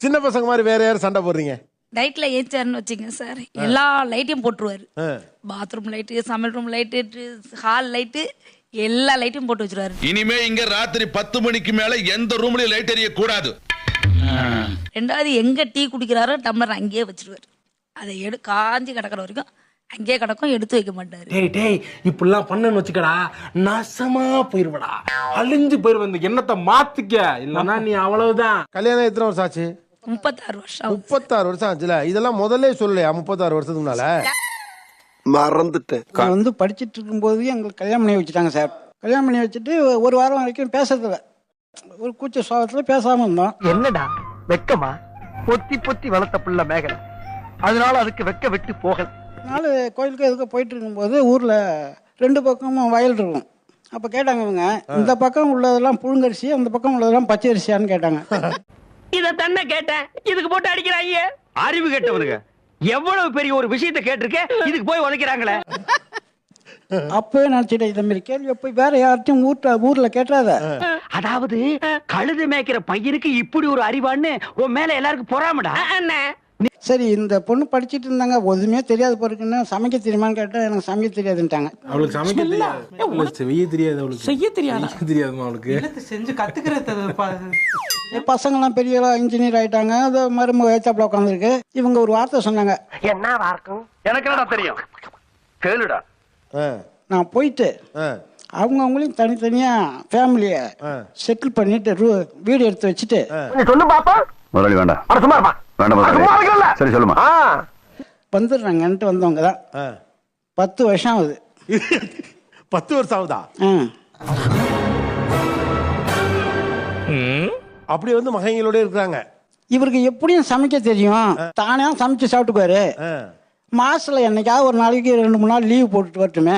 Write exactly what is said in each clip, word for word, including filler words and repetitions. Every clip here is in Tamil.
சின்ன பசங்க மாதிரி வேற யாரும் சண்டை போடுறீங்க? நைட்ல ஏச்சாருன்னு வச்சுங்க சார், எல்லா லைட்டையும் போட்டுருவாரு. பாத்ரூம் லைட்டு, சமையல் ரூம் லைட்டு, ஹால் லைட்டு, எல்லா லைட்டையும் போட்டு வச்சிருவாரு. இனிமே இங்க ராத்திரி பத்து மணிக்கு மேல எந்த ரூம்லயும் லைட் எரிய கூடாது. ரெண்டாவது எங்க டீ குடிக்கிறாரோ டம்ளர் அங்கேயே வச்சிருவாரு. அதை எடு காஞ்சி கிடக்கிற வரைக்கும் அங்கேயே கிடக்கும், எடுத்து வைக்க மாட்டாரு. டேய் டேய் இப்படிலாம் பண்ணன்னு வச்சுக்கடா, நாசமா போயிருவடா, அழிஞ்சு போயிருவ. இந்த எண்ணத்தை மாத்திக்க, இல்லன்னா நீ அவ்வளவுதான். கல்யாணம் எத்தனை வருஷம் ஆச்சு? முப்பத்தாறு வருஷம். முப்பத்தாறு வருஷம் ஆச்சுல. இதெல்லாம் முதல்ல சொல்லலையா? முப்பத்தாறு வருஷத்துக்கு முன்னால மறந்துட்டேன். நான் வந்து படிச்சுட்டு இருக்கும்போது எங்களுக்கு கல்யாணம் பண்ணி வச்சுட்டாங்க சார். கல்யாணம் பண்ணி வச்சுட்டு ஒரு வாரம் வரைக்கும் பேசுறதில்ல, ஒரு கூச்ச சுவாபத்தில் பேசாமல் இருந்தோம். என்னடா வெக்கமா? பொத்தி பொத்தி வளர்த்த புள்ள மேகலை, அதனால அதுக்கு வெக்க விட்டு போகல. அதனால கோயிலுக்கு எதுக்கு போயிட்டு இருக்கும்போது ஊரில் ரெண்டு பக்கமும் வயல் இருக்கும். அப்போ கேட்டாங்க இவங்க, இந்த பக்கம் உள்ளதெல்லாம் புழுங்கரிசி, அந்த பக்கம் உள்ளதெல்லாம் பச்சை அரிசியான்னு கேட்டாங்க. இத தன்னை கேட்டேன், இதுக்கு போட்டு அடிக்கிறாங்க. அறிவு கேட்டவனுங்க எவ்வளவு பெரிய ஒரு விஷயத்தை கேட்டிருக்க, இதுக்கு போய் உதைக்கிறாங்களே. அப்பவே நினைச்சிட்டேன், இந்த மாதிரி கேள்வி போய் வேற யார்ட்டையும் ஊர்ல ஊர்ல கேட்டாத. அதாவது கழுது மேய்க்கிற பையனுக்கு இப்படி ஒரு அறிவான்னு உன் மேல எல்லாருக்கும் பொறாமடா. சரி, இந்த பொண்ணு படிச்சுட்டு இருந்தாங்க, ஒதுமே தெரியாது பொருக்குன்னு சமைக்க தெரியுமான்னு கேட்டா எனக்கு சமைக்க தெரியாதுன்ட்டாங்க. அவளுக்கு சமைக்க தெரியாது, செய்ய தெரியாது. அவளுக்கு செய்ய தெரியாது தெரியாதுமா அவளுக்கு. செஞ்சு கத்துக்கிறது. பசங்கெல்லாம் பெரிய இன்ஜினியர் ஆயிட்டாங்க, அது மருமக ஏச்சாப்புல உட்காந்துருக்கு. இவங்க ஒரு வார்த்தை சொன்னாங்க, என்ன வார்க்கும் எனக்கு என்னடா தெரியும், கேளுடா. நான் போயிட்டு அவங்க அவங்களையும் தனித்தனியா ஃபேமிலிய செட்டில் பண்ணிட்டு வீடு எடுத்து வச்சுட்டு சொல்லு பாப்பா. முதலாளி வேண்டாம், சும்மா இருப்பா. வேண்டாம், சரி சொல்லுமா. வந்துடுறாங்கன்ட்டு வந்தவங்க தான். பத்து வருஷம் ஆகுது. பத்து வருஷம் ஆகுதா? அப்படி வந்து மகங்களோட இருக்கிறாங்க. இவருக்கு எப்படியும் சமைக்க தெரியும், தானே சமைச்சு சாப்பிட்டுக்குவாரு. மாசத்துல என்னைக்காவது ஒரு நாளைக்கு ரெண்டு மூணு நாள் லீவ் போட்டுட்டு வரட்டுமே.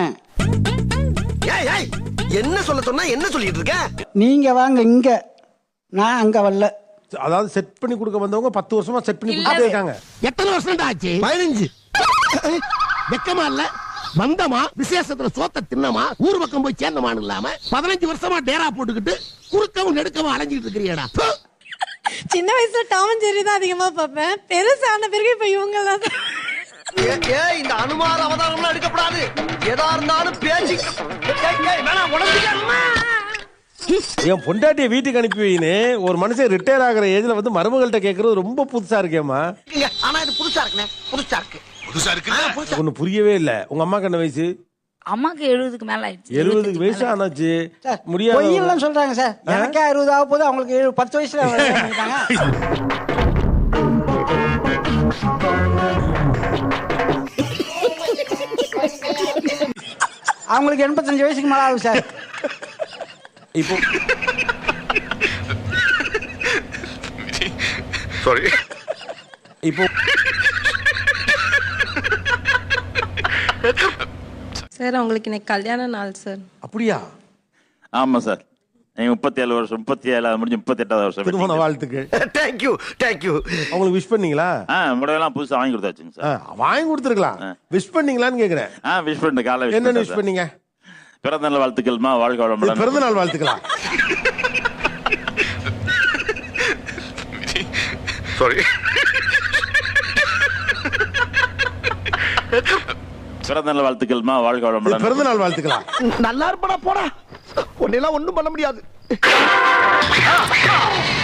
என்ன சொல்ல சொன்னா என்ன சொல்லிட்டு இருக்க? நீங்க வாங்க இங்க, நான் அங்க வரல. அதாவது செட் பண்ணி கொடுக்க வந்தவங்க பத்து வருஷமா செட் பண்ணி கொடுத்துட்டே இருக்காங்க. எத்தனை வருஷம் ஆச்சு? பதினஞ்சு. வெக்கமா இல்ல? வந்தமா விசேஷத்துல சோத்த தின்னமா ஊர் பக்கம் போய் சேர்ந்தமான்னு இல்லாம பதினஞ்சு வருஷமா டேரா போட்டுக்கிட்டு குறுக்கவும் நெடுக்கவும் அலைஞ்சிட்டு இருக்கிறியடா. சின்ன வயசுல டாம் அண்ட் ஜெர்ரி தான் அதிகமா பார்ப்பேன். பெருசான பிறகு இப்ப இவங்க எல்லாம் இந்த அனுமார அவதாரம்லாம் எடுக்கப்படாது. எதா இருந்தாலும் பேச்சு. என் பொண்டாட்டிய வீட்டுக்கு அனுப்பி வைன்னு ஒரு மனுஷன் ரிட்டையர் ஆகிற ஏஜ்ல வந்து மருமகள்கிட்ட கேட்கறது ரொம்ப புதுசா இருக்கேம்மா. ஆனா இது புதுசா இருக்குண்ணே, புதுசா இருக்கு. புதுசா இருக்கு. ஒண்ணு புரியவே இல்ல. உங்க அம்மாக்கு என்ன வயசு? அம்மாக்கு எழுபதுக்கு மேல ஆயிடுச்சு. எழுபதுக்கு வயசு ஆனாச்சு. முடியாது பொய்யெல்லாம் சொல்றாங்க சார். எனக்கே அறுபது ஆக போது, அவங்களுக்கு ஏழு பத்து வயசுல பண்ணிட்டாங்க. அவங்களுக்கு எண்பத்தஞ்சு வயசுக்கு மேல ஆகுது சார். இப்போ சாரி இப்போ சார் அவங்களுக்கு இன்னைக்கு கல்யாண நாள் சார். அப்படியா? ஆமா சார், முப்பத்தி ஏழு வருஷம் முப்பத்தி ஏழாவது முடிஞ்சு முப்பத்தி எட்டாவது வருஷம். திருமண வாழ்த்துக்கு. Thank you thank you. அவங்களுக்கு விஷ் பண்ணீங்களா? முடையெல்லாம் புதுசா வாங்கி கொடுத்தாச்சுங்க சார். வாங்கி கொடுத்துருக்கலாம். விஷ் பண்ணீங்களான்னு கேக்குறேன். ஆ விஷ் பண்ண காலை என்ன விஷ் பண்ணீங்க? பிறந்த நாள் வாழ்த்துக்கள்மா, வாழ்க வளமுடன். பிறந்த நாள் வாழ்த்துக்கலாம். சாரி. பிறந்த நாள் வாழ்த்துக்கள்மா, வாழ்க வளமுடன். பிறந்த நாள் வாழ்த்துக்கலாம். நல்லா இருப்படா போடா, உன்னெல்லாம் ஒண்ணும் பண்ண முடியாது.